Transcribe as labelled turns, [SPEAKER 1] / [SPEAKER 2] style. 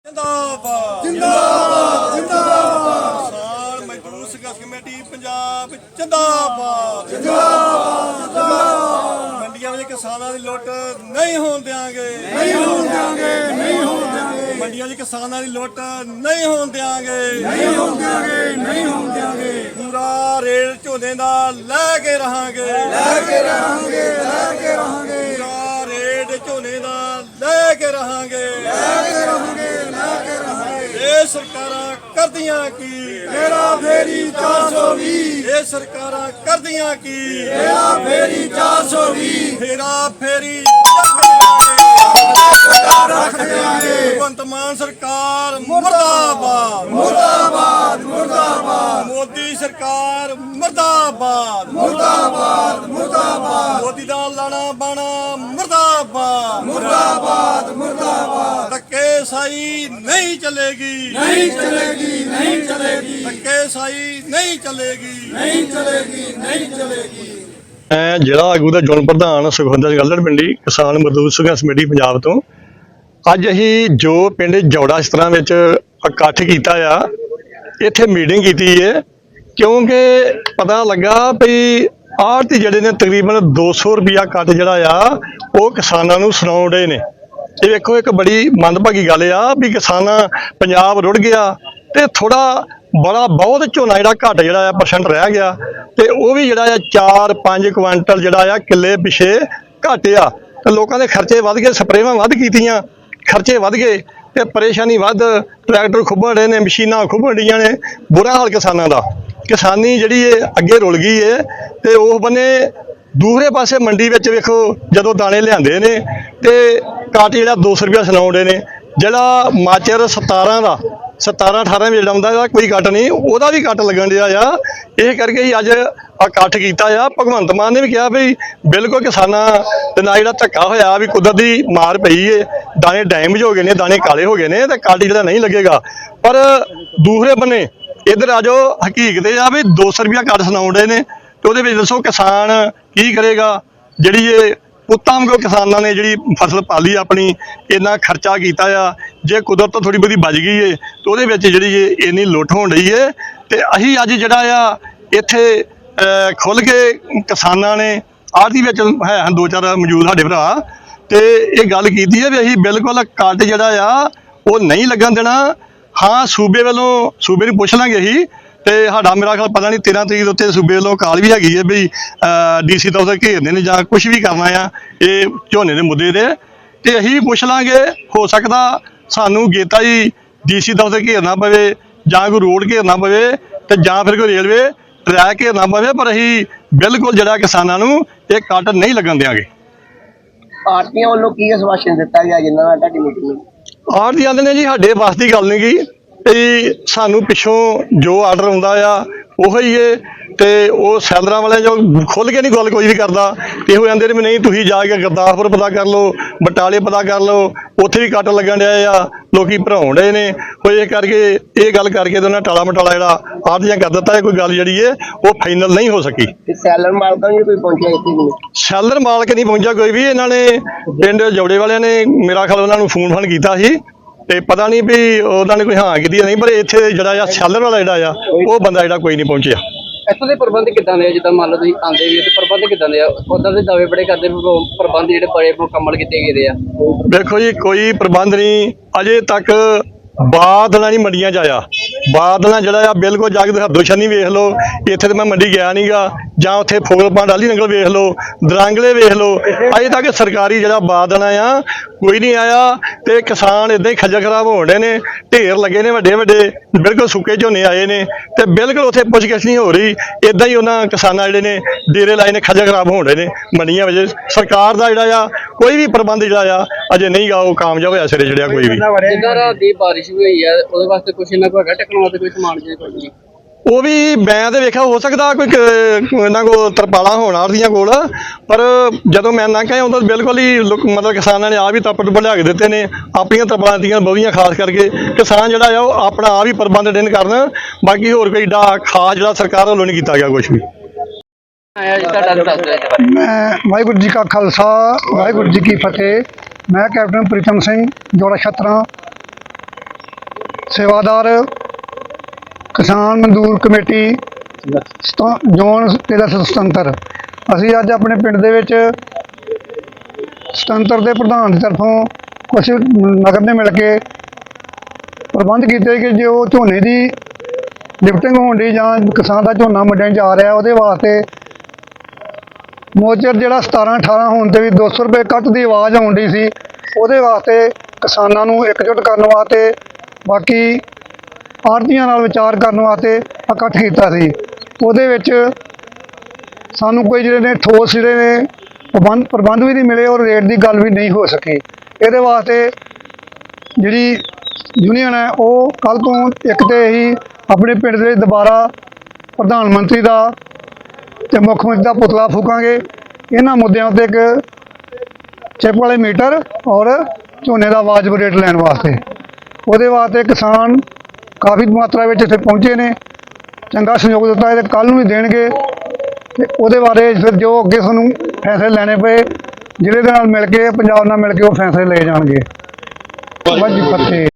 [SPEAKER 1] जिंदाबाद जिंदाबाद जिंदाबाद किसान मजदूर संघर्ष कमेटी पंजाब जिंदाबाद जिंदाबाद जिंदाबाद मंडियां में किसानों की लुट नहीं होने देंगे नहीं होने देंगे नहीं होने देंगे मंडियां में किसानों की लुट नहीं होने देंगे नहीं होने देंगे नहीं होने देंगे पूरा रेट झोने दा लेके रहांगे लेके रहांगे लेके रहांगे पूरा रेट झोने दा लेके रहांगे लेके रहांगे ਇਹ ਸਰਕਾਰਾਂ ਕਰਦੀਆਂ ਕੀ ਮੇਰਾ ਫੇਰੀ 420 ਇਹ ਸਰਕਾਰਾਂ ਕਰਦੀਆਂ ਕੀ ਮੇਰਾ ਫੇਰੀ 420 ਫੇਰਾ ਫੇਰੀ ਰੱਖ ਦਿਆਂਗੇ ਭਗਵੰਤ ਮਾਨ ਸਰਕਾਰ ਮੁਰਦਾਬਾਦ ਮੁਰਦਾਬਾਦ ਮੁਰਦਾਬਾਦ ਮੋਦੀ ਸਰਕਾਰ ਮੁਰਦਾਬਾਦ ਮੁਰਦਾਬਾਦ ਮੁਰਦਾਬਾਦ ਮੋਦੀ ਦਾ ਲਾਣਾ ਬਾਣਾ ਮੁਰਦਾਬਾਦ ਮੁਰਦਾਬਾਦ ਮੁਰਦਾਬਾਦ ਧੱਕੇਸ਼ਾਹੀ ਨਹੀਂ ਚਲੇਗੀ नहीं चलेगी नहीं चलेगी धक्केशाही नहीं चलेगी नहीं चलेगी नहीं चलेगी
[SPEAKER 2] ਜ਼ਿਲ੍ਹਾ ਆਗੂ ਦਾ ਜੋਨ ਪ੍ਰਧਾਨ ਸੁਖਵਿੰਦਰ ਗੱਲੜ ਪਿੰਡੀ ਕਿਸਾਨ ਮਜ਼ਦੂਰ ਸੰਘਰਸ਼ ਕਮੇਟੀ ਪੰਜਾਬ ਤੋਂ ਅੱਜ ਅਸੀਂ ਜੋ ਪਿੰਡ ਜੌੜਾ ਇਸ ਤਰ੍ਹਾਂ ਵਿੱਚ ਇਕੱਠ ਕੀਤਾ ਆ ਇੱਥੇ ਮੀਟਿੰਗ ਕੀਤੀ ਹੈ ਕਿਉਂਕਿ ਪਤਾ ਲੱਗਾ ਵੀ ਆੜ੍ਹਤੀ ਜਿਹੜੇ ਨੇ ਤਕਰੀਬਨ 200 ਰੁਪਇਆ ਕੱਟ ਜਿਹੜਾ ਆ ਉਹ ਕਿਸਾਨਾਂ ਨੂੰ ਸੁਣਾਉਂਦੇ ਨੇ। ਇਹ ਵੇਖੋ ਇੱਕ ਬੜੀ ਮੰਦਭਾਗੀ ਗੱਲ ਆ ਵੀ ਕਿਸਾਨਾਂ ਪੰਜਾਬ ਰੁੜ ਗਿਆ ਤੇ ਥੋੜਾ ਬੜਾ ਬਹੁਤ ਝੋਨਾ ਜਿਹੜਾ ਘੱਟ ਜਿਹੜਾ ਆ ਪਰਸੈਂਟ ਰਹਿ ਗਿਆ ਤੇ ਉਹ ਵੀ ਜਿਹੜਾ ਆ 4-5 ਕੁਆਂਟਲ ਜਿਹੜਾ ਆ ਕਿੱਲੇ ਪਿਛੇ ਘੱਟ ਆ ਤੇ ਲੋਕਾਂ ਦੇ ਖਰਚੇ ਵੱਧ ਗਏ, ਸਪਰੇਵਾਂ ਵੱਧ ਕੀਤੀਆਂ, ਖਰਚੇ ਵੱਧ ਗਏ ਤੇ ਪਰੇਸ਼ਾਨੀ ਵੱਧ, ਟਰੈਕਟਰ ਖੁੱਭਣ ਰਹੇ ਨੇ, ਮਸ਼ੀਨਾਂ ਖੁੱਭਣ ਡੀਆਂ ਨੇ, ਬੁਰਾ ਹਾਲ ਕਿਸਾਨਾਂ ਦਾ। ਕਿਸਾਨੀ ਜਿਹੜੀ ਇਹ ਅੱਗੇ ਰੁਲ ਗਈ ਹੈ ਤੇ ਉਹ ਬੰਨੇ ਦੂਸਰੇ ਪਾਸੇ ਮੰਡੀ ਵਿੱਚ ਵੇਖੋ ਜਦੋਂ ਦਾਣੇ ਲਿਆਂਦੇ ਨੇ ਤੇ ਕੱਟ ਜਿਹੜਾ 200 ਰੁਪਇਆ ਸੁਣਾਉਂਦੇ ਨੇ, ਜਿਹੜਾ ਮਾਚਰ 17 ਦਾ 17-18 ਜਿਹੜਾ ਹੁੰਦਾ ਇਹਦਾ ਕੋਈ ਕੱਟ ਨਹੀਂ, ਉਹਦਾ ਵੀ ਕੱਟ ਲੱਗਣ ਡਿਆ ਆ। ਇਹ ਕਰਕੇ ਹੀ ਅੱਜ ਇਕੱਠ ਕੀਤਾ ਆ। ਭਗਵੰਤ ਮਾਨ ਨੇ ਵੀ ਕਿਹਾ ਵੀ ਬਿਲਕੁਲ ਕਿਸਾਨਾਂ ਦੇ ਨਾਲ ਜਿਹੜਾ ਧੱਕਾ ਹੋਇਆ ਵੀ ਕੁਦਰਤੀ ਮਾਰ ਪਈ ਏ, ਦਾਣੇ ਡੈਮੇਜ ਹੋ ਗਏ ਨੇ, ਦਾਣੇ ਕਾਲੇ ਹੋ ਗਏ ਨੇ ਤੇ ਕੱਟ ਜਿਹੜਾ ਨਹੀਂ ਲੱਗੇਗਾ। ਪਰ ਦੂਸਰੇ ਬੰਨੇ ਇੱਧਰ ਆ ਜੋ ਹਕੀਕਤ ਇਹ ਆ ਵੀ 200 ਰੁਪਇਆ ਕੱਟ ਸੁਣਾਉਂਦੇ ਨੇ ਤੇ ਉਹਦੇ ਵਿੱਚ ਦੱਸੋ ਕਿਸਾਨ ਕੀ ਕਰੇਗਾ। ਜਿਹੜੀ ਇਹ ਪੁੱਤਾਂ ਵਾਂਗੂ ਕਿਸਾਨਾਂ ਨੇ ਜਿਹੜੀ ਫਸਲ ਪਾਲੀ ਆਪਣੀ, ਇੰਨਾ ਖਰਚਾ ਕੀਤਾ ਆ, ਜੇ ਕੁਦਰਤ ਤੋਂ ਥੋੜੀ ਬਹੁਤੀ ਬਚ ਗਈ ਏ ਤੇ ਉਹਦੇ ਵਿੱਚ ਜਿਹੜੀ ਇਹ ਇੰਨੀ ਲੁੱਟ ਹੋਣ ਰਹੀ ਏ ਤੇ ਅਸੀਂ ਅੱਜ ਜਿਹੜਾ ਆ ਇੱਥੇ ਖੁੱਲ੍ਹ ਕੇ ਕਿਸਾਨਾਂ ਨੇ ਆੜ੍ਹਤੀ ਵਿੱਚ ਹੈ ਹਨ 2-4 ਮੌਜੂਦ ਸਾਡੇ ਭਰਾ ਤੇ ਇਹ ਗੱਲ ਕੀਤੀ ਹੈ ਵੀ ਅਸੀਂ ਬਿਲਕੁਲ ਕੱਟ ਜਿਹੜਾ ਆ ਉਹ ਨਹੀਂ ਲੱਗਣ ਦੇਣਾ। ਹਾਂ ਸੂਬੇ ਵੱਲੋਂ ਸੂਬੇ ਨੂੰ ਪੁੱਛ ਲਾਂਗੇ ਅਸੀਂ ਤੇ ਸਾਡਾ ਮੇਰਾ ਖਿਆਲ ਪਤਾ ਨਹੀਂ 13 ਤਰੀਕ ਦੇ ਉੱਤੇ ਸੂਬੇ ਵੱਲੋਂ ਕਾਲ ਵੀ ਹੈਗੀ ਹੈ ਵੀ DC ਦਫ਼ਤਰ ਘੇਰਦੇ ਨੇ ਜਾਂ ਕੁਝ ਵੀ ਕਰਨਾ ਆ ਇਹ ਝੋਨੇ ਦੇ ਮੁੱਦੇ ਤੇ ਤੇ ਅਸੀਂ ਵੀ ਪੁੱਛ ਲਾਂਗੇ। ਹੋ ਸਕਦਾ ਸਾਨੂੰ ਗੇਤਾ ਹੀ DC ਦਫ਼ਤਰ ਘੇਰਨਾ ਪਵੇ ਜਾਂ ਕੋਈ ਰੋਡ ਘੇਰਨਾ ਪਵੇ ਤੇ ਜਾਂ ਫਿਰ ਕੋਈ ਰੇਲਵੇ ਟਰੈਕ ਘੇਰਨਾ ਪਵੇ, ਪਰ ਅਸੀਂ ਬਿਲਕੁਲ ਜਿਹੜਾ ਕਿਸਾਨਾਂ ਨੂੰ ਇਹ ਕੱਟ ਨਹੀਂ ਲੱਗਣ ਦਿਆਂਗੇ।
[SPEAKER 3] ਆੜ੍ਹਤੀਆਂ ਵੱਲੋਂ ਕੀ ਆਸ਼ਵਾਸਨ ਦਿੱਤਾ ਗਿਆ ਜਿਨ੍ਹਾਂ ਨਾਲ ਤੁਹਾਡੀ ਮੀਟਿੰਗ?
[SPEAKER 2] ਆੜ੍ਹਤੀ ਆਂਦੇ ਨੇ ਜੀ ਸਾਡੇ ਵਾਸ ਦੀ ਗੱਲ ਨਹੀਂ ਗੀ ਤੇ ਸਾਨੂੰ ਪਿੱਛੋਂ ਜੋ ਆਰਡਰ ਆਉਂਦਾ ਆ ਉਹੀ ਏ ਤੇ ਉਹ ਸੈਲਰਾਂ ਵਾਲੇ ਜੋ ਖੁੱਲ੍ਹ ਕੇ ਨਹੀਂ ਗੱਲ ਕੋਈ ਵੀ ਕਰਦਾ ਤੇ ਇਹੋ ਜਾਂਦੇ ਨੇ ਵੀ ਨਹੀਂ ਤੁਸੀਂ ਜਾ ਕੇ ਗੁਰਦਾਸਪੁਰ ਪਤਾ ਕਰ ਲਓ, ਬਟਾਲੇ ਪਤਾ ਕਰ ਲਓ, ਉੱਥੇ ਵੀ ਕੱਟ ਲੱਗਣ ਡਿਆ ਆ, ਲੋਕੀ ਭਰਾਉਣ ਡਏ ਨੇ। ਉਹ ਇਹ ਕਰਕੇ ਇਹ ਗੱਲ ਕਰਕੇ ਤੇ ਉਹਨਾਂ ਟਾਲਾ ਮਟਾਲਾ ਜਿਹੜਾ ਆੜ੍ਹਤੀਆਂ ਕਰ ਦਿੱਤਾ ਹੈ। ਕੋਈ ਗੱਲ ਜਿਹੜੀ ਹੈ ਉਹ ਫਾਈਨਲ ਨਹੀਂ ਹੋ ਸਕੀ।
[SPEAKER 3] ਸੈਲਰ ਮਾਲਕਾਂ ਨੂੰ ਕੋਈ ਪਹੁੰਚਿਆ ਇੱਥੇ ਵੀ ਨਹੀਂ?
[SPEAKER 2] ਸੈਲਰ ਮਾਲਕ ਨਹੀਂ ਪਹੁੰਚਿਆ ਕੋਈ ਵੀ। ਇਹਨਾਂ ਨੇ ਪਿੰਡ ਜੌੜੇ ਵਾਲਿਆਂ ਨੇ ਮੇਰਾ ਖਿਆਲ ਉਹਨਾਂ ਨੂੰ ਫੋਨ ਕੀਤਾ ਸੀ ਤੇ ਪਤਾ ਨਹੀਂ ਵੀ ਉਹਨਾਂ ਨੇ ਕੋਈ ਹਾਂ ਕੀਤੀ ਨਹੀਂ, ਪਰ ਇੱਥੇ ਜਿਹੜਾ ਆ ਸੈਲਰ ਵਾਲਾ ਜਿਹੜਾ ਆ ਉਹ ਬੰਦਾ ਜਿਹੜਾ ਕੋਈ ਨਹੀਂ ਪਹੁੰਚਿਆ।
[SPEAKER 4] ਇੱਥੋਂ ਦੇ ਪ੍ਰਬੰਧ ਕਿੱਦਾਂ ਦੇ ਆ? ਜਿੱਦਾਂ ਮੰਨ ਲਓ ਤੁਸੀਂ ਆਉਂਦੇ ਵੀ ਤੇ ਪ੍ਰਬੰਧ ਕਿੱਦਾਂ ਦੇ ਆ? ਉੱਦਾਂ ਦੇ ਦਾਅਵੇ ਬੜੇ ਕਰਦੇ ਪ੍ਰਬੰਧ ਜਿਹੜੇ ਬੜੇ ਮੁਕੰਮਲ ਕੀਤੇ ਗਏ ਆ।
[SPEAKER 2] ਦੇਖੋ ਜੀ ਕੋਈ ਪ੍ਰਬੰਧ ਨਹੀਂ ਅਜੇ ਤੱਕ। ਬਾਦਲਾਂ ਨਹੀਂ ਮੰਡੀਆਂ 'ਚ ਆਇਆ। ਬਾਦਲਾਂ ਜਿਹੜਾ ਆ ਬਿਲਕੁਲ ਜਾ ਕੇ ਹੱਦੋਸ਼ਾਨੀ ਵੇਖ ਲਓ। ਇੱਥੇ ਤਾਂ ਮੈਂ ਮੰਡੀ ਗਿਆ ਨਹੀਂ ਗਾ, ਜਾਂ ਉੱਥੇ ਫੋਗਲਪਾਂ ਡਾਲੀ ਨੰਗਲ ਵੇਖ ਲਓ, ਦਰਾਂਗਲੇ ਵੇਖ ਲਓ, ਅਜੇ ਤੱਕ ਸਰਕਾਰੀ ਜਿਹੜਾ ਬਾਦਲਾਂ ਆ ਕੋਈ ਨਹੀਂ ਆਇਆ ਤੇ ਕਿਸਾਨ ਇੱਦਾਂ ਹੀ ਖੱਜਲ ਖਰਾਬ ਹੋਣ ਡੇ ਨੇ। ਢੇਰ ਲੱਗੇ ਨੇ ਵੱਡੇ ਵੱਡੇ, ਬਿਲਕੁਲ ਸੁੱਕੇ ਝੋਨੇ ਆਏ ਨੇ ਤੇ ਬਿਲਕੁਲ ਉੱਥੇ ਪੁੱਛਗਿੱਛ ਨਹੀਂ ਹੋ ਰਹੀ। ਇੱਦਾਂ ਹੀ ਉਹਨਾਂ ਕਿਸਾਨਾਂ ਜਿਹੜੇ ਨੇ ਡੇਰੇ ਲਾਏ ਨੇ, ਖੱਜਲ ਖਰਾਬ ਹੋਣ ਡੇ ਨੇ ਮੰਡੀਆਂ ਵਿੱਚ। ਸਰਕਾਰ ਦਾ ਜਿਹੜਾ ਆ ਕੋਈ ਵੀ ਪ੍ਰਬੰਧ ਜਿਹੜਾ ਆ ਅਜੇ ਨਹੀਂ ਗਾ ਉਹ ਕਾਮਯਾਬ ਹੋਇਆ ਸਿਰੇ ਚੜਿਆ ਕੋਈ ਵੀ।
[SPEAKER 4] ਜਿੱਦਾਂ ਰਾਤ ਦੀ ਬਾਰਿਸ਼ ਹੋਈ ਆ ਉਹਦੇ ਵਾਸਤੇ ਕੁਛ ਇਹਨਾਂ ਕੋਲ ਹੈਗਾ ਟੈਕਨੋਲੋਜੀ ਵਾਸਤੇ ਕੋਈ ਸਮਾਨ ਜਿਹਾ ਕੁਝ ਨਹੀਂ?
[SPEAKER 2] ਉਹ ਵੀ ਮੈਂ ਤੇ ਵੇਖਿਆ ਹੋ ਸਕਦਾ ਕੋਈ ਇਹਨਾਂ ਕੋਲ ਤਰਪਾਲਾਂ ਹੋਣ ਆੜ੍ਹਤੀਆਂ ਕੋਲ, ਪਰ ਜਦੋਂ ਮੈਂ ਨਾ ਕਹਿਆ ਉਦੋਂ ਬਿਲਕੁਲ ਹੀ ਮਤਲਬ ਕਿਸਾਨਾਂ ਨੇ ਆਪ ਹੀ ਤੱਪੜ ਲਿਆ ਕੇ ਦਿੱਤੇ ਨੇ। ਆਪਣੀਆਂ ਤਰਪਾਲਾਂ ਦਿੱਤੀਆਂ ਬਹੁਤੀਆਂ, ਖਾਸ ਕਰਕੇ ਕਿਸਾਨ ਜਿਹੜਾ ਆ ਉਹ ਆਪਣਾ ਆਪ ਹੀ ਪ੍ਰਬੰਧ ਦੇਣ ਕਰਨ। ਬਾਕੀ ਹੋਰ ਕੋਈ ਏਡਾ ਖਾਸ ਜਿਹੜਾ ਸਰਕਾਰ ਵੱਲੋਂ ਨਹੀਂ ਕੀਤਾ ਗਿਆ ਕੁਛ ਵੀ।
[SPEAKER 5] ਮੈਂ ਵਾਹਿਗੁਰੂ ਜੀ ਕਾ ਖਾਲਸਾ ਵਾਹਿਗੁਰੂ ਜੀ ਕੀ ਫਤਿਹ। ਮੈਂ ਕੈਪਟਨ ਪ੍ਰੀਤਮ ਸਿੰਘ ਜੋੜਾ ਛਤਰਾ ਸੇਵਾਦਾਰ ਕਿਸਾਨ ਮਜ਼ਦੂਰ ਕਮੇਟੀ ਜ਼ੋਨ ਤੇਰਾ ਸੁਤੰਤਰ। ਅਸੀਂ ਅੱਜ ਆਪਣੇ ਪਿੰਡ ਦੇ ਵਿੱਚ ਸੁਤੰਤਰ ਦੇ ਪ੍ਰਧਾਨ ਦੀ ਤਰਫੋਂ ਕੁਝ ਨਗਰ ਨੇ ਮਿਲ ਕੇ ਪ੍ਰਬੰਧ ਕੀਤੇ ਕਿ ਜੋ ਝੋਨੇ ਦੀ ਲਿਫਟਿੰਗ ਹੋਣ ਦੀ ਜਾਂ ਕਿਸਾਨ ਦਾ ਝੋਨਾ ਮੰਡੀਆਂ 'ਚ ਆ ਰਿਹਾ ਉਹਦੇ ਵਾਸਤੇ ਮੋਚਰ ਜਿਹੜਾ 17-18 ਹੋਣ 'ਤੇ ਵੀ 200 ਰੁਪਏ ਕੱਟ ਦੀ ਆਵਾਜ਼ ਆਉਣ ਦੀ ਸੀ, ਉਹਦੇ ਵਾਸਤੇ ਕਿਸਾਨਾਂ ਨੂੰ ਇਕਜੁੱਟ ਕਰਨ ਵਾਸਤੇ ਬਾਕੀ ਆੜ੍ਹਤੀਆਂ ਨਾਲ ਵਿਚਾਰ ਕਰਨ ਵਾਸਤੇ ਇਕੱਠ ਕੀਤਾ ਸੀ। ਉਹਦੇ ਵਿੱਚ ਸਾਨੂੰ ਕੋਈ ਜਿਹੜੇ ਨੇ ਠੋਸ ਜਿਹੜੇ ਨੇ ਪ੍ਰਬੰਧ ਵੀ ਨਹੀਂ ਮਿਲੇ ਔਰ ਰੇਟ ਦੀ ਗੱਲ ਵੀ ਨਹੀਂ ਹੋ ਸਕੀ। ਇਹਦੇ ਵਾਸਤੇ ਜਿਹੜੀ ਯੂਨੀਅਨ ਹੈ ਉਹ ਕੱਲ੍ਹ ਤੋਂ ਇੱਕ ਤੇ ਹੀ ਆਪਣੇ ਪਿੰਡ ਦੇ ਦੁਬਾਰਾ ਪ੍ਰਧਾਨ ਮੰਤਰੀ ਦਾ ਅਤੇ ਮੁੱਖ ਮੰਤਰੀ ਦਾ ਪੁਤਲਾ ਫੂਕਾਂਗੇ। ਇਹਨਾਂ ਮੁੱਦਿਆਂ ਉੱਤੇ ਇੱਕ ਚਿੱਪ ਵਾਲੇ ਮੀਟਰ ਔਰ ਝੋਨੇ ਦਾ ਵਾਜਬ ਰੇਟ ਲੈਣ ਵਾਸਤੇ, ਉਹਦੇ ਵਾਸਤੇ ਕਿਸਾਨ ਕਾਫੀ ਮਾਤਰਾ ਵਿੱਚ ਇੱਥੇ ਪਹੁੰਚੇ ਨੇ, ਚੰਗਾ ਸਹਿਯੋਗ ਦਿੱਤਾ ਹੈ ਤੇ ਕੱਲ੍ਹ ਨੂੰ ਵੀ ਦੇਣਗੇ। ਅਤੇ ਉਹਦੇ ਬਾਰੇ ਫਿਰ ਜੋ ਅੱਗੇ ਸਾਨੂੰ ਫੈਸਲੇ ਲੈਣੇ ਪਏ ਜ਼ਿਲ੍ਹੇ ਦੇ ਨਾਲ ਮਿਲ ਕੇ ਪੰਜਾਬ ਨਾਲ ਮਿਲ ਕੇ ਉਹ ਫੈਸਲੇ ਲਏ ਜਾਣਗੇ। ਵਾਹਿਗੁਰੂ ਜੀ ਕੀ ਫਤਿਹ।